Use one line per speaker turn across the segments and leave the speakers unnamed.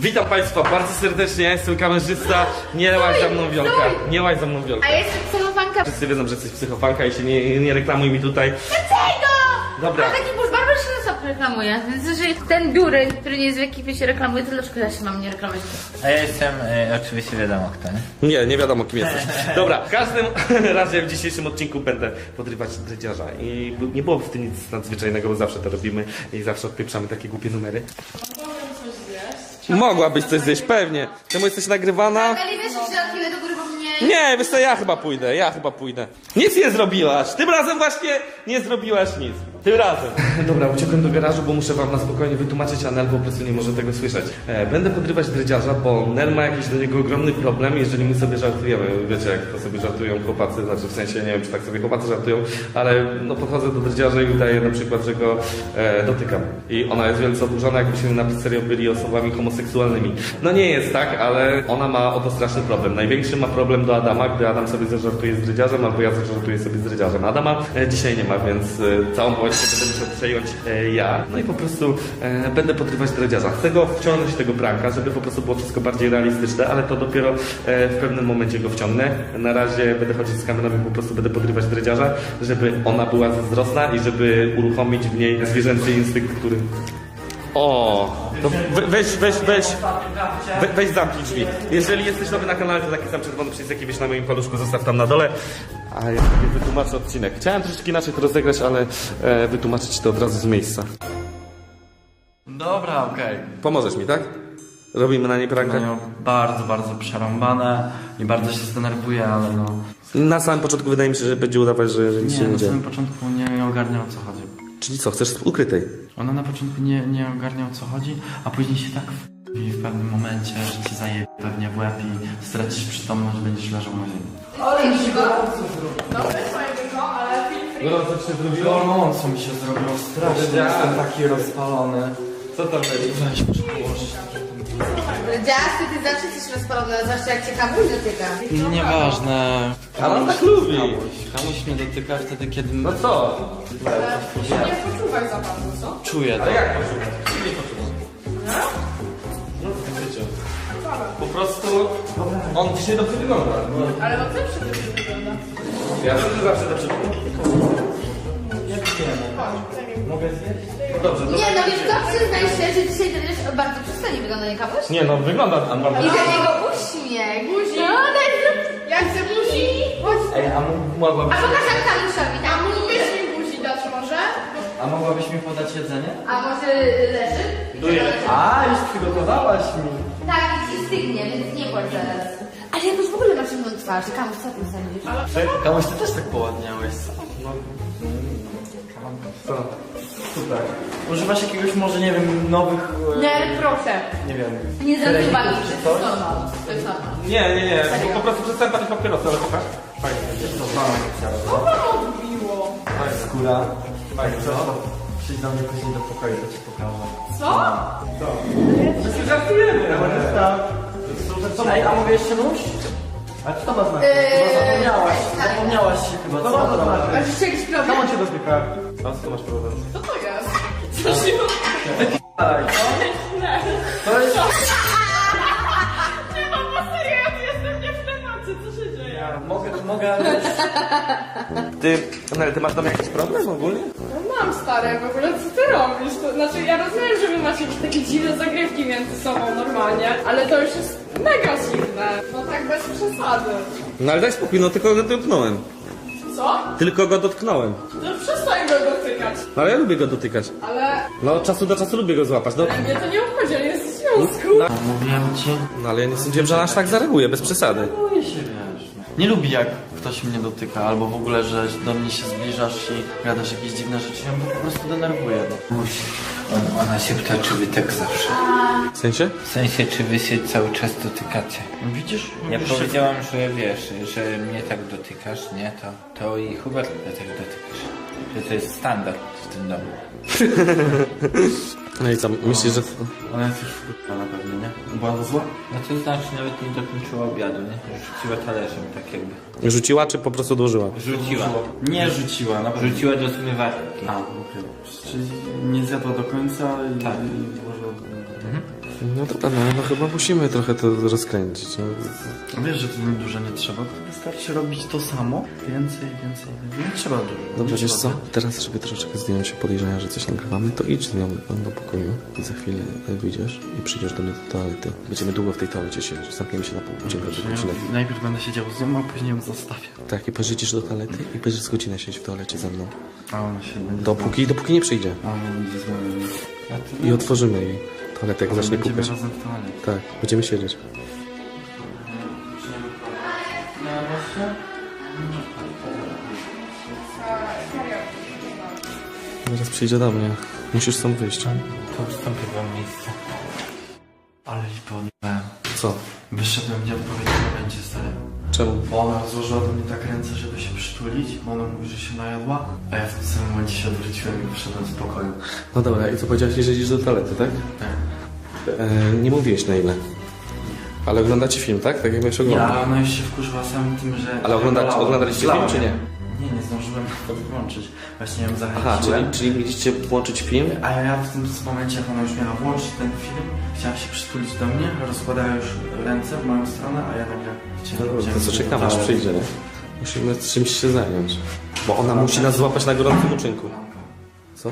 Witam Państwa bardzo serdecznie, ja jestem kamerzysta. Nie łaź za mną Wiolka. Nie łaź za mną Wiolka.
A ja jestem psychofanka.
Wszyscy wiedzą, że jesteś psychofanka i się nie reklamuj mi tutaj.
Dlaczego?
Dobra.
A taki busz barber się sam reklamuje. Więc jeżeli ten biurek, który nie jest w ekipie się reklamuje, to dlaczego ja się mam nie reklamować?
A ja jestem, oczywiście wiadomo kto, nie?
Nie wiadomo kim jesteś. Dobra, w każdym razie w dzisiejszym odcinku będę podrywać dredziarza. I nie było w tym nic nadzwyczajnego, bo zawsze to robimy i zawsze odpieprzamy takie głupie numery. Mogłabyś coś zjeść, pewnie. Czemu jesteś nagrywana?
Ale wiesz, że na chwilę do góry, bo mnie...
Nie, wiesz co, ja chyba pójdę. Nic nie zrobiłaś. Tym razem właśnie nie zrobiłaś nic. Tym razem. Dobra, uciekłem do garażu, bo muszę wam na spokojnie wytłumaczyć, a Nel po prostu nie może tego słyszeć. Będę podrywać dredziarza, bo Nel ma jakiś do niego ogromny problem, jeżeli my sobie żartujemy. Wiecie, jak to sobie żartują chłopacy, znaczy w sensie, nie wiem, czy tak sobie chłopacy żartują, ale no podchodzę do dredziarza i udaję na przykład, że go dotykam. I ona jest wielce oburzona, jakbyśmy na serio byli osobami homoseksualnymi. No nie jest tak, ale ona ma o to straszny problem. Największy ma problem do Adama, gdy Adam sobie zażartuje z dredziarzem, albo ja zażartuję sobie z dredziarzem. Adama dzisiaj nie ma, więc całą powieść będę musiał przejąć ja. No i po prostu będę podrywać dredziarza. Chcę go wciągnąć tego pranka, żeby po prostu było wszystko bardziej realistyczne, ale to dopiero w pewnym momencie go wciągnę. Na razie będę chodzić z kamerą i po prostu będę podrywać dredziarza, żeby ona była zazdrosna i żeby uruchomić w niej zwierzęcy instynkt, który... O, to weź zamknij drzwi. Jeżeli jesteś nowy na kanale, to taki sam czerwony przycisk, jaki wiesz na moim paluszku, zostaw tam na dole. A ja sobie wytłumaczę odcinek. Chciałem troszeczkę inaczej to rozegrać, ale wytłumaczyć to od razu z miejsca.
Dobra, okej.
Pomożesz mi, tak? Robimy na niej prankę?
Mają bardzo przerąbane i bardzo się zdenerwuję, ale no...
Na samym początku wydaje mi się, że będzie udawać, że nic się
Nie,
nie
na
dzieje.
samym początku nie ogarnia o co chodzi.
Czyli co, chcesz z ukrytej?
Ona na początku nie ogarnia o co chodzi, a później się tak i w pewnym momencie, że ci zajebie pewnie w łeb i stracisz przytomność, będziesz leżał na ziemi.
Gorąco ci się zrobiło?
Gorąco mi się zrobiło strasznie, jestem taki rozpalony.
Co tam będzie?
Weź muszę położyć.
Dziasty, ty zawsze jesteś rozpalona, zwłaszcza jak cię kamuś dotyka.
Nieważne.
Ale on tak lubi.
Kamuś mnie dotyka wtedy, kiedy...
No co?
Nie poczuwaj za bardzo, co?
Czuję to.
Jak poczuwać? Nie poczuwać. No w życiu. Po prostu on dzisiaj dobrze wygląda.
Ale on zawsze dobrze wygląda.
Ja też zawsze dobrze wygląda.
Mogę zjeść?
Dobrze,
Nie, no wiesz co, przyznaj się, że dzisiaj też bardzo przystanie wygląda, nie kamuś?
Nie no, wygląda tam bardzo.
I do niego uśmiech.
Buzi.
No, daj zrób.
Ja chcę buzi. Chodź.
Ej, a mogłabyś...
A pokaż jak kamuszowi,
A
tak?
mógłbyś mi buzi dać może?
A mogłabyś mi podać jedzenie?
A może leży?
A, już przygotowałaś mi.
Tak, i ci stygnie, więc nie płacz zaraz. Ale jakoś w ogóle masz inną twarz. Kamuś, co ty sądzisz?
Kamuś, ty też tak poładniałeś.
Co? Super.
Używasz jakiegoś może, nie wiem, nowych...
Nie, proszę.
Nie wiem...
Nie zazywaj
treningu
mi,
czy
to
coś?
jest normal. To jest normal.
Nie, po prostu przestałem palić papierosy, ale pokaż. Fajnie.
To mamy
Co wam odbiło?
skóra. Fajnie, co? Przyjdź do mnie później do pokoju, to ci pokażę.
Co?
My się żartujemy.
Ej, a mogę jeszcze nóż? A co to ma znaczyć? Zapomniałaś się chyba, co to ma znaczyć?
Masz jeszcze jakiś problem?
cię dotyka? A co masz problem?
Co to jest? Co się
To jest...
Nie mam, bo serio, ja tu jestem nie w temacie, co się dzieje?
Mogę...
Ty masz tam jakiś problem ogólnie?
No mam stare, w ogóle co ty robisz? To, znaczy ja rozumiem, że wy macie jakieś takie dziwne zagrywki między sobą normalnie, ale to już jest mega dziwne. No tak bez przesady.
No ale daj spokój, no tylko go dotknąłem.
Co?
Tylko go dotknąłem.
To przestań go dotykać.
No ale ja lubię go dotykać.
Ale
No od czasu do czasu lubię go złapać. No,
mnie to nie obchodzi, on jest w związku.
Mówiłem ci...
no ale ja nie sądziłem, że aż tak zareaguje, bez przesady.
Boję się, wiesz. Nie lubi jak ktoś mnie dotyka, albo w ogóle, że do mnie się zbliżasz i gadasz jakieś dziwne rzeczy, ja mnie po prostu denerwuje. No.
Ona się pyta, czy wy tak zawsze.
W sensie?
W sensie, czy wy się cały czas dotykacie.
Widzisz?
Ja
Mówisz, że-
powiedziałam, że wiesz, że mnie tak dotykasz, nie? To i Hubert tak dotykasz. Że to jest standard w tym domu.
No i co, myślisz, że...
Ona jest już wkurwiona na pewno, nie? Była zła?
No to znaczy nawet nie dokończyła obiadu, nie? Rzuciła talerzem, tak jakby.
Rzuciła, czy po prostu odłożyła?
Rzuciła.
Nie rzuciła, na pewno.
Rzuciła do zmywarki.
A, okej. Czyli nie zjadła do końca i...
Tak.
i włożyła...
No dobra, no chyba musimy trochę to rozkręcić. No.
Wiesz, że to dużo nie trzeba, to wystarczy robić to samo. Więcej. Nie trzeba dużo.
Dobrze,
Nie
wiesz
trzeba
co? Teraz, żeby troszeczkę zdjąć się podejrzenia, że coś nagrywamy, to idź z nią do pokoju i za chwilę wyjdziesz i przyjdziesz do mnie do toalety. Będziemy długo w tej toalecie siedzieć. Zamkniemy się na pół godziny, do godziny.
Najpierw będę siedział z nią, a później ją zostawię.
Tak, i pożyczysz do toalety i będziesz z godzinę siedzieć w toalecie ze mną.
A ona się będzie...
Dopóki nie przyjdzie.
A ona będzie z moim...
I otworzymy jej toaletę, jak zacznie
Będziemy
pukać.
razem w toalecie.
Tak, będziemy siedzieć. Zaraz przyjdzie do mnie. Musisz stąd wyjść.
To ustąpię wam miejsce.
Ale lipę odniosłem.
Co?
Wyszedłem w nieodpowiednim momencie, stary.
Czemu?
Bo ona rozłożyła do mnie tak ręce, żeby się przytulić, bo ona mówi, że się najadła, a ja w tym samym momencie się odwróciłem i wyszedłem z pokoju.
No dobra, i co powiedziałeś, że idziesz do toalety, tak?
Tak.
Nie mówiłeś na ile. Ale oglądacie film, tak? Tak jak miałeś oglądać.
Ja, ona już się wkurzyła samym tym, że...
Ale oglądaliście film, czy nie?
Nie zdążyłem nawet włączyć. Właśnie ją
Aha,
zachęciłem.
czyli mieliście włączyć film?
A ja w tym momencie, jak ona już miała włączyć ten film, chciała się przytulić do mnie, rozkładała już ręce w moją stronę, a ja nagle
No to co, czekamy aż przyjdzie, nie? Musimy czymś się zająć. Bo ona musi nas złapać na gorącym uczynku. Co?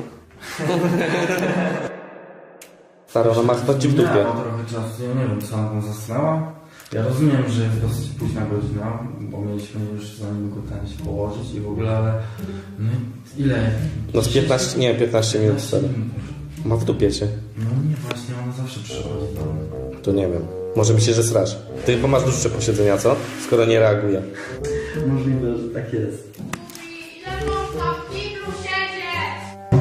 Stary, ona ma chyba ci w dupie.
Trochę czasu, ja nie wiem, co ona tam zasnęła. Ja rozumiem, że jest dosyć późna godzina, bo mieliśmy już zanim go ten się położyć i w ogóle, ale... No, ile?
No z 15 minut stary. Ma w dupie cię.
No nie, właśnie ona zawsze przychodzi do mnie.
To nie wiem. Może myślę, że srasz. Ty chyba masz dłuższe posiedzenia, co? Skoro nie reaguje.
Możliwe, że tak jest.
Ile można w kiblu siedzieć?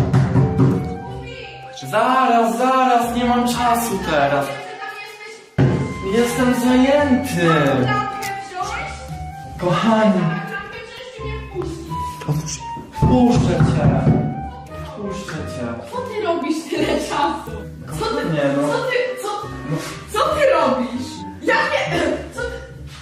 Zaraz, nie mam czasu teraz. Jestem zajęty.
Lampkę wziąć?
Kochani,
Lampkę wziąć czy mnie wpuścić?
puszczę cię.
Co ty robisz tyle czasu? Co ty,
Nie no.
co ty robisz? Ja nie... Co ty...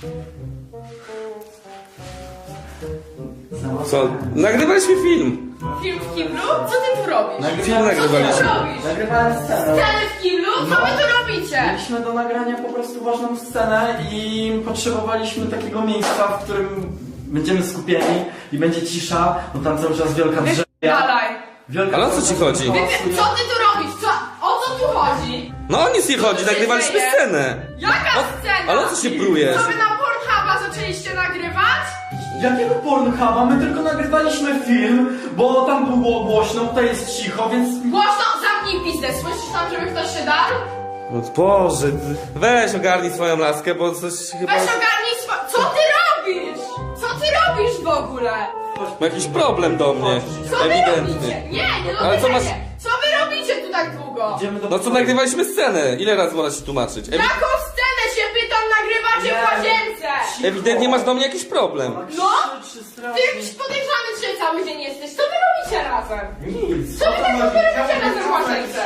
Co? Nagrywaliśmy film.
Film w kiblu? Co ty tu robisz?
Film
Co ty
nagrywaliśmy.
tu robisz?
Nagrywałem scenę.
Scenę w kiblu? Co wy tu robicie?
Mieliśmy do nagrania po prostu ważną scenę i potrzebowaliśmy takiego miejsca, w którym będziemy skupieni i będzie cisza, bo tam cały czas wielka drzewa.
Dalej.
Ale o co ci chodzi?
Co ty tu robisz? O co tu chodzi?
No o nic nie chodzi,
Co się
nagrywaliśmy
dzieje?
scenę.
Jaka scena?
Ale o co się prujesz?
Co wy na Pornhuba zaczęliście nagrywać?
Jakiego Pornhuba? My tylko nagrywaliśmy film, bo tam było głośno, tutaj jest cicho, więc...
Głośno, zamknij pizdę. Słyszysz tam, żeby ktoś się darł?
No Boże, weź ogarnij swoją laskę, bo coś chyba...
Weź ogarnij Co ty robisz? Co ty robisz w ogóle?
Ma jakiś problem do mnie.
Co wy robicie?
Ewidentny.
Nie
Ale co masz...
Co wy robicie tu tak długo?
Idziemy do
No co, nagrywaliśmy scenę. Ile razy można się tłumaczyć?
Jaką scenę się pytam nagrywacie w łazience?
Ewidentnie masz do mnie jakiś problem.
No? Ty jakiś podejrzany dzisiaj cały dzień jesteś. Co wy robicie razem?
Nic.
Co wy tak robicie razem w łazience?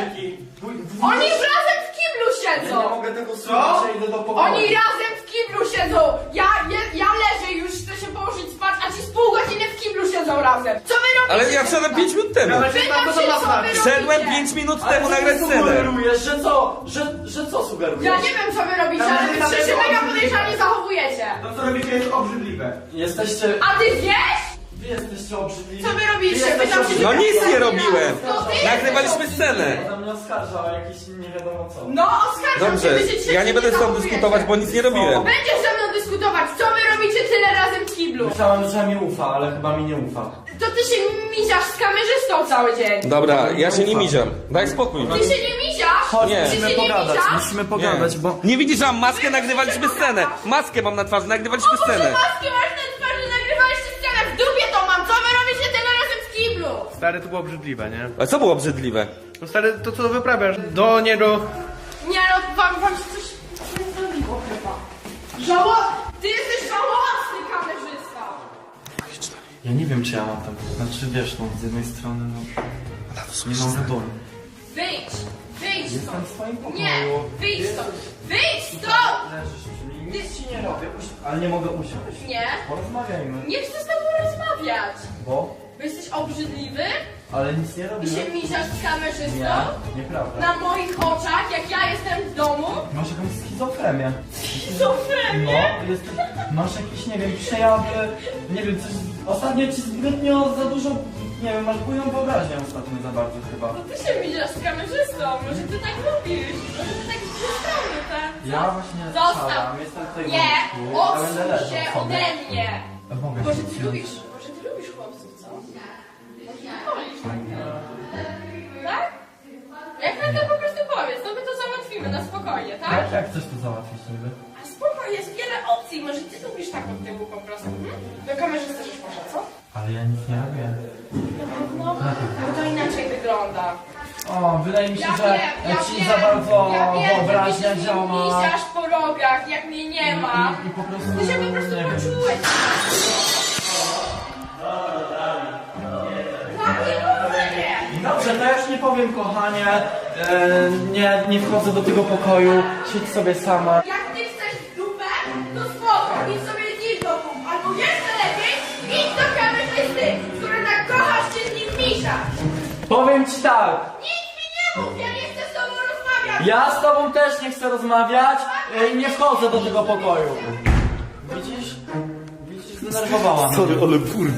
Oni razem w kiblu
Ja
siedzą.
nie mogę tego słuchać, ja idę do pokoju.
Oni razem w kiblu siedzą. Ja leżę już, chcę się położyć spać, a ci z pół godziny w kiblu siedzą razem. Co wy robicie?
Ale ja wszedłem 5 minut temu.
Pytam się, co wy
Wszedłem
robicie?
5 minut
Ale
temu
co
nagrać
ty
scenę.
sugerujesz, że co sugerujesz?
Ja nie wiem, co wy robicie, ale wy wszyscy się mega podejrzanie zachowujecie.
To co robicie jest obrzydliwe.
Jesteście...
A ty wiesz?
Wy jesteście obrzydliwi.
Co wy robicie?
Wy
Pytam się,
jesteście
No
czy
nic
ja
nie
jestem
robiłem.
To ty
Nagrywaliśmy
jesteś
scenę.
Ona mnie oskarża o jakieś nie wiadomo co.
No, oskarżam
Dobrze,
się, wy się
ja nie będę z tobą
zachowujecie.
dyskutować, bo nic nie robiłem.
Będziesz ze mną dyskutować, co wy robicie tyle razem w kiblu?
Myślałem, że mi ufa, ale chyba mi nie ufa.
To ty się miziasz z kamerzystą cały dzień.
Dobra, ja się nie miziam. Daj spokój.
Ty się nie miziasz?
Nie.
Ty się nie miziasz?
Musimy pogadać, bo...
Nie widzisz, że mam maskę, nagrywaliśmy scenę. Maskę mam na twarzy, nagrywaliśmy
O Boże,
scenę.
maskę masz na twarzy, nagrywaliście scenę, w dupie to mam, co wy robicie tyle razem w kiblu?
Stary, to było obrzydliwe, nie?
A co było obrzydliwe?
No stary, to co wyprawiasz? Nie do...
Nie no, wam się coś zrobiło chyba. Ty jesteś żałosny kamerzysta.
Ja nie wiem, czy ja mam tam... Znaczy, wiesz, no, z jednej strony, no... Nie mam wyboru.
Wyjdź
Jestem
stąd.
w swoim pokoju.
Nie, wyjdź stąd. Wyjdź stąd!
Leżysz przy mnie, nic ci nie robię, ale nie mogę usiąść.
Nie,
Porozmawiajmy.
nie chcę z tobą rozmawiać.
Bo?
Bo jesteś obrzydliwy
Ale nic nie
I
robiłem.
się misiasz z kamerzystą?
Nie, nieprawda.
Na moich oczach, jak ja jestem w domu?
Masz jakąś schizofrenię.
Schizofrenię?
No, masz jakieś, nie wiem, przejawy, nie wiem, coś... Ostatnio ci zbytnio za dużo, nie wiem, masz bujną wyobraźnię ostatnio za bardzo chyba.
No ty się misiasz z kamerzystą, może ty tak lubisz? Może ty tak przystąpisz, tak?
Ja właśnie
Zostaw!
szałam, jestem tutaj
Nie!
w łóżku, ja będę
Odsuń
leżał
się
sobie.
ode mnie!
Mogę
Może
się
ty
wziąć.
lubisz chłopców, co? Wolisz tak? Jak na to po prostu powiedz, to my to załatwimy na spokojnie, tak?
Jak chcesz to załatwić niby?
A spokojnie, jest wiele opcji, może ty lubisz tak od tyłu po prostu. Do kamerzysty też poszedł, co?
Ale ja nic nie robię.
No, bo to inaczej wygląda.
O, wydaje mi się,
Ja
że
wiem,
ci za bardzo wyobraźnia
że mi się
działa.
misiasz po rogach, jak mnie nie ma.
I po prostu...
Ty się po prostu
nie wiem.
poczułeś.
Dobrze, to ja już nie powiem, kochanie. Nie wchodzę do tego pokoju. Siedź sobie sama.
Jak ty chcesz dupę, to spoko, idź sobie z nim do domu. Albo jeszcze lepiej, idź do kamerzysty, który tak kochasz się z nim miszasz.
Powiem ci tak.
Nic mi nie mów, ja nie chcę z tobą rozmawiać.
Ja z tobą też nie chcę rozmawiać i nie wchodzę do tego pokoju. Widzisz? Widzisz, zdenerwowała mnie.
ale burda.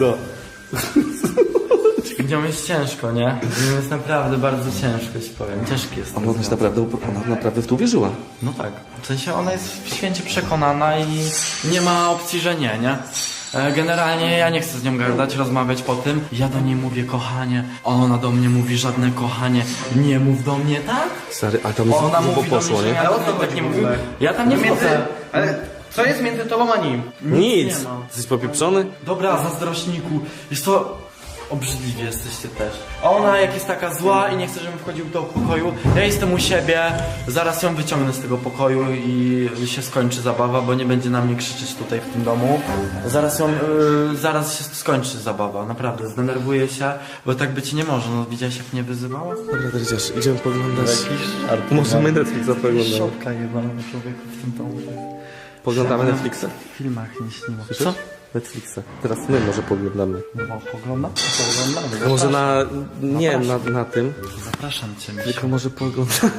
Z nią jest ciężko, nie? Z nią jest naprawdę bardzo ciężko, ci powiem. Ciężki jest.
Ona naprawdę w to uwierzyła.
No tak. W sensie ona jest święcie przekonana i nie ma opcji, że nie? Generalnie ja nie chcę z nią gadać, rozmawiać po tym. Ja do niej mówię kochanie, a ona do mnie mówi żadne kochanie. Nie mów do mnie tak?
Stary, ale tam
Ona mówi do mnie, że ja
Ale o
do
co
niej tak
chodzi
nie
w
mówię.
ogóle?
Ja tam nie wchodzę.
Ale co jest między tobą a nim?
Nic.
nie ma.
Jesteś popieprzony?
Dobra, zazdrośniku. Jest to... Obrzydliwi jesteście też. A ona jak jest taka zła i nie chce, żebym wchodził do pokoju, ja jestem u siebie, zaraz ją wyciągnę z tego pokoju i się skończy zabawa, bo nie będzie na mnie krzyczeć tutaj w tym domu. Zaraz się skończy zabawa, naprawdę, zdenerwuję się, bo tak być nie może. No widziałeś jak mnie wyzywała?
Dobra, Dredziarz, idziemy poglądać. Możemy Netflixa poglądać.
Szoka jebana człowieku w tym domu.
Poglądamy Netflixa?
W filmach nie śniło.
Co? Netflixa. Teraz my może poglądamy.
No poglądamy? Poglądamy.
A może nie na tym,
Zapraszam cię, Misiu.
tylko może poglądamy.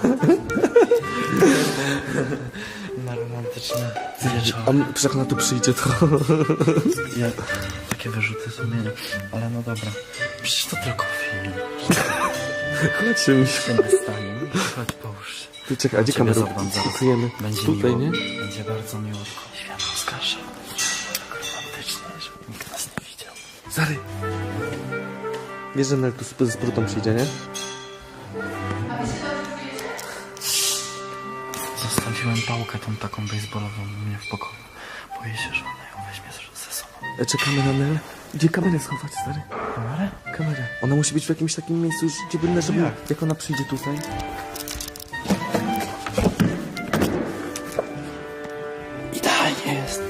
Na romantyczne wieczór.
A przecież jak ona tu przyjdzie, to...
Ja takie wyrzuty sumienia, ale no dobra. Przecież to tylko film.
Chodźcie mi się.
Się nie stanie. Chodź, połóż się.
Ty czekaj, a gdzie
Ciebie
kamerę?
zadbam zaraz.
Ukryjemy.
Będzie
Tutaj,
miło.
nie?
Będzie bardzo miłutko. Świat oskarża. Tak romantycznie, żeby nikt nas nie widział.
Zary. Wiesz, że Nel tu z brutą przyjdzie, nie?
Zostawiłem pałkę tą taką baseballową u mnie w pokoju. Boję się, że ona ją weźmie ze sobą.
Czekamy na Nel. Gdzie kamerę schować, stary?
Kamerę?
Kamerę. Ona musi być w jakimś takim miejscu, gdzie będę, żeby... Jak ona przyjdzie tutaj...
Idealnie jest.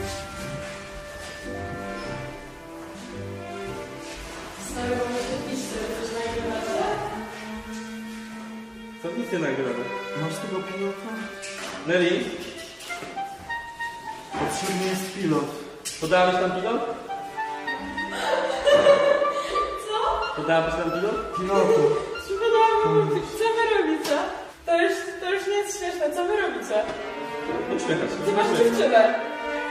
Co nic nie nagrane?
Masz tego pilota?
Nelly,
Potrzebny jest pilot.
podałeś tam pilot?
Co?
Podałabyś tam pilot?
Pilotu.
Co wy robicie? To już nie jest śmieszne, co wy robicie?
Uśmiechać się.
Ty masz dziewczynę.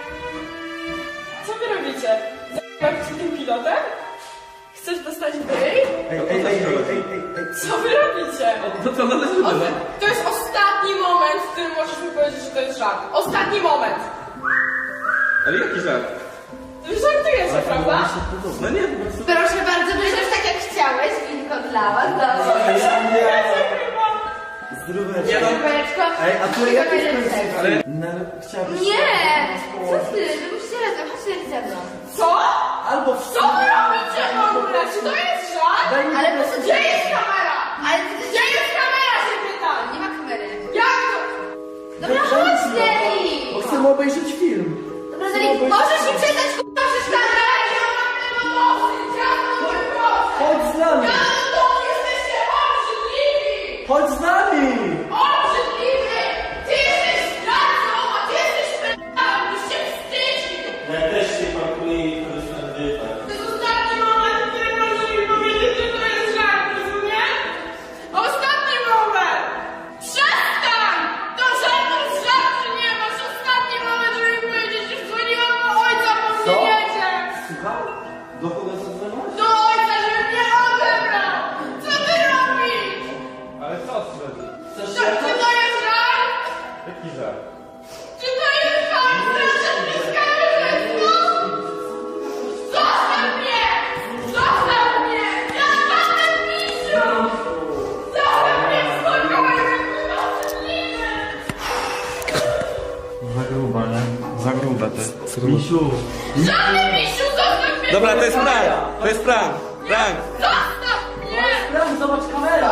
Co wy robicie? Zabawić się tym pilotem? Chcesz dostać bryj? Co wy robicie?
To co, należy
To jest ostatni moment, w którym możesz mi powiedzieć, że to jest żart. Ostatni moment.
Ale jaki żart?
Wy żartujecie, prawda?
No nie, po prostu...
Proszę bardzo, będziesz tak jak chciałeś, winko dla was, dobrze.
Nie no,
Kubeczko.
a tu jak jest
ale...
Chciałbyś...
Nie! Co ty? Wy musicie razem, chodźcie ze mną.
Co?
Albo w
Co wy robicie w ogóle? Czy to jest żart?
Ale po co
Gdzie jest kamera?
Ale
Gdzie jest kamera, się pytam?
nie ma kamery.
Jak to?
Dobra, chodź, Nelly!
Chcemy obejrzeć film.
Dobra, Nelly, możesz mi przestać k***a przeszkadzać?
Ja mam tego dosyć, ja mam dosyć.
Chodź z nami!
Ja mam dosyć, jesteście obrzydliwi!
Chodź z nami!
Obrzydliwy! Ty jesteś zdradzą, a ty jesteś p***am, byś się wstydził!
Ja też się pakuję i korzystam z
To jest ostatni moment, w którym możesz mi powiedzieć, że to jest żart!
taki żart.
Czy to jest koniec? Zostaw mnie! Zostaw mnie! Ja mam misiu! Zostaw mnie w spokoju!
Za grube, nie? Za grube ty. Misiu.
Żadny misiu! Zostaw mnie!
Dobra, to jest prank! To jest prank! Prank!
Zostaw mnie!
Sprawdź, zobacz kamera!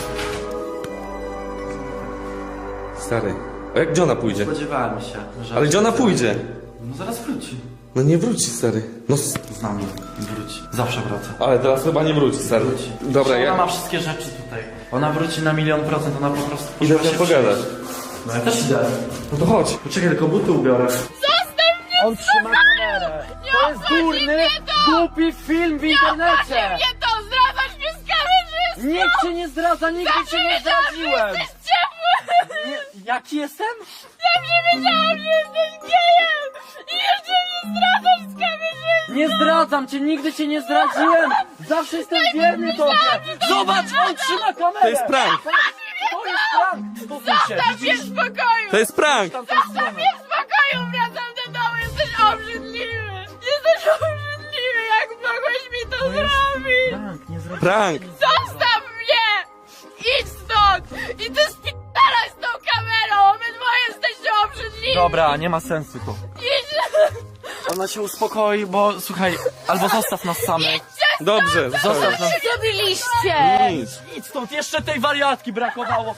Stary, a jak Johna pójdzie?
Spodziewałem się, że...
Ale Johna pójdzie.
No zaraz wróci.
No nie wróci, stary. No,
Z nami wróci. Zawsze wraca.
ale teraz chyba nie wróci, stary.
Wróci.
Dobra,
Ona
ja
ma wszystkie rzeczy tutaj. Ona wróci na 1.000.000%, ona po prostu...
idę
poszła
z nią pogadać.
przyjść. No ja też idę.
No to chodź.
Poczekaj, tylko buty ubiorę.
On trzyma kamerę! To jest durny, głupi film w internecie!
Nie to! Zdradzasz mnie z kamerzystą!
Nikt cię nie zdradza, nigdy cię nie zdradziłem!
Jesteś ciepły!
Nie, jaki jestem?
Zawsze wiedziałam, że jesteś gejem! I jeszcze mnie zdradzasz z kamerzystą!
Nie zdradzam cię, nigdy cię nie zdradziłem! Zawsze jestem wierny tobie! Zobacz, on trzyma kamerę!
To jest prank!
To jest prank! Spokój się,
Zostaw mnie w spokoju!
To jest prank!
Zostaw mnie w spokoju! Wracam do domu! Jesteś obrzydliwy! Jesteś obrzydliwy! Jak mogłeś mi to zrobić?
Prank, nie zdradziłem.
Prank!
Zostaw mnie! Idź stąd! I ty spierdalaj z tą kamerą! Obydwoje jesteście obrzydliwi!
Dobra, nie ma sensu to.
Idź!
Ona się uspokoi, bo słuchaj, albo zostaw nas samych.
Dobrze,
Zostaw nas.
Co zrobiliście?
Nic.
Idź stąd, jeszcze tej wariatki brakowało!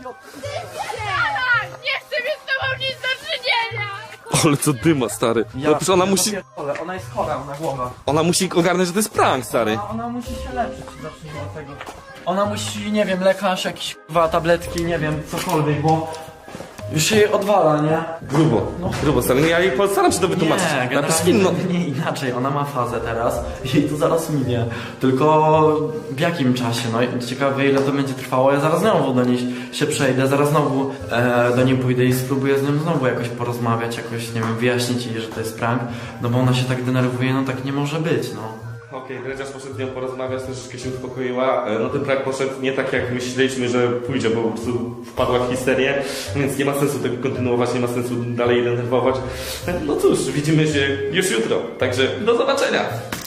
Spierdalaj! Nie chcę mieć z tobą nic do czynienia!
Ale co dyma, stary. No przecież ona musi,
Pierdolę, ona jest chora na głowę.
ona musi ogarnąć, że to jest prank, stary.
Ona musi się leczyć, zacznijmy od tego. Ona musi, nie wiem, lekarz, jakieś k***wa, tabletki, nie wiem, cokolwiek, bo już się jej odwala, nie?
Grubo, grubo, stary. No ja jej postaram się to wytłumaczyć.
Nie,
Napisz
generalnie
film, no.
nie inaczej, ona ma fazę teraz i to zaraz minie. Tylko w jakim czasie, no i ciekawe ile to będzie trwało, ja zaraz znowu do niej się przejdę, zaraz znowu do niej pójdę i spróbuję z nią znowu jakoś porozmawiać, jakoś, nie wiem, wyjaśnić jej, że to jest prank, no bo ona się tak denerwuje, no tak nie może być, no.
Okej, Dredziarz poszedł z nią porozmawiać, troszeczkę się uspokoiła. No ten prank poszedł nie tak jak myśleliśmy, że pójdzie, bo po prostu wpadła w histerię, więc nie ma sensu tego kontynuować, nie ma sensu dalej denerwować. No cóż, widzimy się już jutro, także do zobaczenia!